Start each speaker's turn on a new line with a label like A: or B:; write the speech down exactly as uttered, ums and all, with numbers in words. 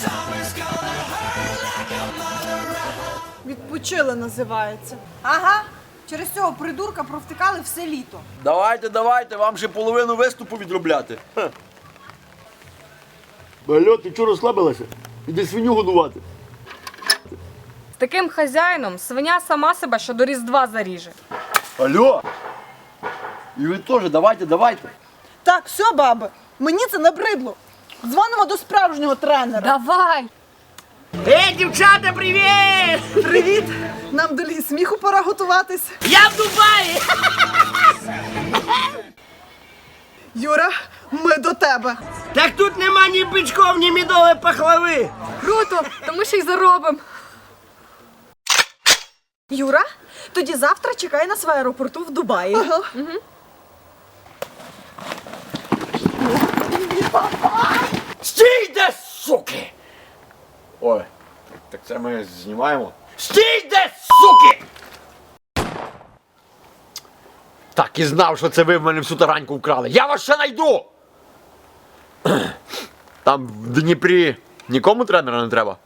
A: Відпочили називається. Ага, через цього придурка провтикали все літо.
B: Давайте, давайте, вам ще половину виступу відробляти. Алло, ти чого розслабилася? Іди свиню годувати.
C: З таким хазяїном свиня сама себе ще до Різдва заріже.
B: Алло! І ви теж, давайте, давайте.
A: Так, все, баби, мені це набридло. Дзвонимо до справжнього тренера.
C: Давай!
D: Ей, дівчата, привіт!
A: Привіт! Нам до лі сміху пора готуватись.
D: Я в Дубаї!
A: Юра, ми до тебе.
D: Так тут нема ні бичков, ні мідової пахлави.
C: Круто! То ми ще й заробимо.
A: Юра, тоді завтра чекай нас в аеропорту в Дубаї. Ага.
B: Стійте, суки! Ой, так це ми знімаємо. Стійте, суки! Так і знав, що це ви в мене всю тараньку вкрали. Я вас ще найду! Там в Дніпрі нікому тренера не треба.